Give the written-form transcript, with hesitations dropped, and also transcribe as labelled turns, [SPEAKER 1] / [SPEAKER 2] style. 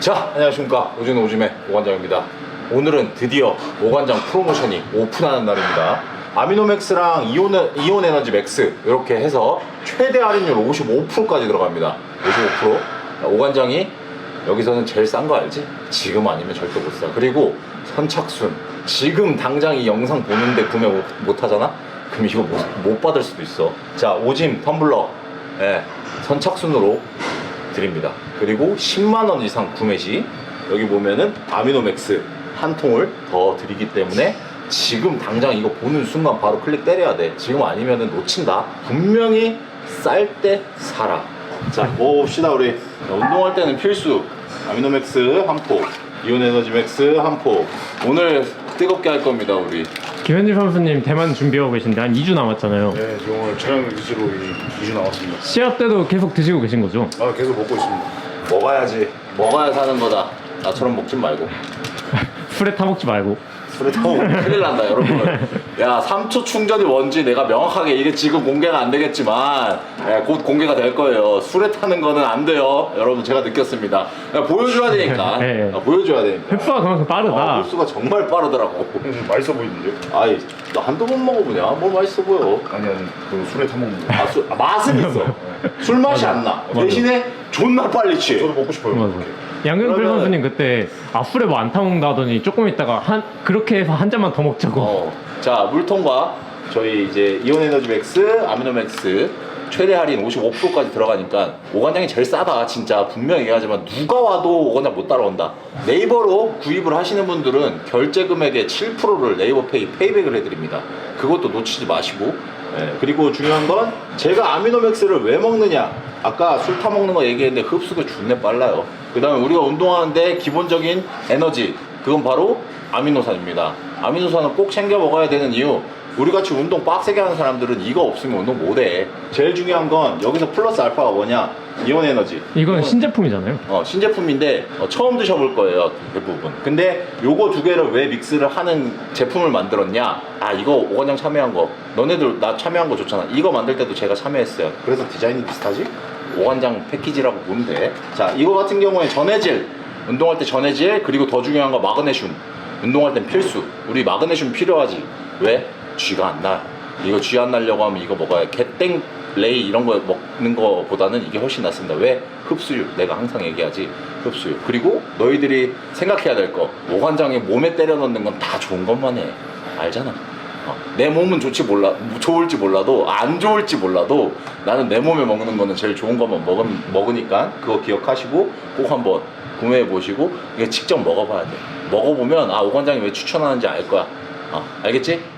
[SPEAKER 1] 자, 안녕하십니까. 오준 오줌의 오관장입니다. 오늘은 드디어 오관장 프로모션이 오픈하는 날입니다. 아미노맥스랑 이온 에너지 맥스 이렇게 해서 최대 할인율 55%까지 들어갑니다. 55%. 오관장이 여기서는 제일 싼 거 알지? 지금 아니면 절대 못 사. 그리고 선착순. 지금 당장 이 영상 보는데 구매 못 하잖아? 그럼 이거 못 받을 수도 있어. 자, 오짐 텀블러. 예, 선착순으로 드립니다. 그리고 10만원 이상 구매 시 여기 보면은 아미노맥스 한 통을 더 드리기 때문에 지금 당장 이거 보는 순간 바로 클릭 때려야 돼. 지금 아니면은 놓친다. 분명히 쌀 때 사라. 자, 먹어봅시다. 우리 운동할 때는 필수 아미노맥스 한 포, 이온 에너지 맥스 한 포. 오늘 뜨겁게 할 겁니다. 우리
[SPEAKER 2] 김현진 선수님 대만 준비하고 계신데 한 2주 남았잖아요.
[SPEAKER 3] 네, 지금 오늘 촬영 위주로 2주 남았습니다.
[SPEAKER 2] 시합 때도 계속 드시고 계신 거죠?
[SPEAKER 3] 아, 계속 먹고 있습니다.
[SPEAKER 1] 먹어야지. 먹어야 사는 거다. 나처럼 먹지 말고.
[SPEAKER 2] 술에 타먹지 말고.
[SPEAKER 1] 술에 타면 큰일 난다, 여러분. 야, 3초 충전이 뭔지 내가 명확하게 이게 지금 공개가 안 되겠지만 곧 공개가 될 거예요. 술에 타는 거는 안 돼요. 여러분, 제가 느꼈습니다. 보여줘야 되니까.
[SPEAKER 2] 네.
[SPEAKER 1] 보여줘야 되니까.
[SPEAKER 2] 흡수가 그만큼 빠르다.
[SPEAKER 1] 흡수가 정말 빠르더라고.
[SPEAKER 3] 좀 맛있어 보이는데요?
[SPEAKER 1] 아이, 너 한두 번 먹어보냐? 뭘 맛있어 보여.
[SPEAKER 3] 아니, 그 술에 타먹는 거.
[SPEAKER 1] 맛은 있어. 술 맛이 안 나.
[SPEAKER 2] 맞아.
[SPEAKER 1] 대신에 존나 빨리 취해.
[SPEAKER 3] 저도 먹고 싶어요.
[SPEAKER 2] 맞아.
[SPEAKER 3] 그렇게.
[SPEAKER 2] 양경필
[SPEAKER 1] 그러면-
[SPEAKER 2] 선수님 그때 술에 뭐 안 타먹는다 하더니 조금 있다가 그렇게 해서 한 잔만 더 먹자고.
[SPEAKER 1] 자, 물통과 저희 이제 이온 에너지 맥스, 아미노 맥스 최대 할인 55%까지 들어가니까 오관장이 제일 싸다. 진짜 분명히 얘기하지만 누가 와도 오관장 못 따라온다. 네이버로 구입을 하시는 분들은 결제 금액의 7%를 네이버페이 페이백을 해드립니다. 그것도 놓치지 마시고. 그리고 중요한 건 제가 아미노 맥스를 왜 먹느냐. 아까 술 타먹는 거 얘기했는데 흡수가 존내 빨라요. 그 다음에 우리가 운동하는데 기본적인 에너지, 그건 바로 아미노산입니다. 아미노산은 꼭 챙겨 먹어야 되는 이유, 우리같이 운동 빡세게 하는 사람들은 이거 없으면 운동 못해. 제일 중요한 건 여기서 플러스 알파가 뭐냐, 이온 에너지.
[SPEAKER 2] 이건 신제품이잖아요.
[SPEAKER 1] 신제품인데 처음 드셔볼 거예요, 대부분. 근데 요거 두 개를 왜 믹스를 하는 제품을 만들었냐. 이거 오관장 참여한 거, 너네들 나 참여한 거 좋잖아. 이거 만들 때도 제가 참여했어요. 그래서 디자인이 비슷하지? 오관장 패키지라고 보면 돼. 자, 이거 같은 경우에 전해질, 운동할 때 전해질, 그리고 더 중요한 거 마그네슘. 운동할 땐 필수. 우리 마그네슘 필요하지. 왜? 쥐가 안 나. 이거 쥐 안 나려고 하면 이거 먹어야 개땡 레이 이런 거 먹는 거보다는 이게 훨씬 낫습니다. 왜? 흡수율. 내가 항상 얘기하지. 흡수율. 그리고 너희들이 생각해야 될 거, 오관장에 몸에 때려 넣는 건 다 좋은 것만 해. 알잖아. 내 몸은 좋을지 몰라도 안 좋을지 몰라도 나는 내 몸에 먹는 거는 제일 좋은 것만 먹으니까 그거 기억하시고 꼭 한번 구매해 보시고 이게 직접 먹어봐야 돼. 먹어보면 오관장이 왜 추천하는지 알 거야. 알겠지?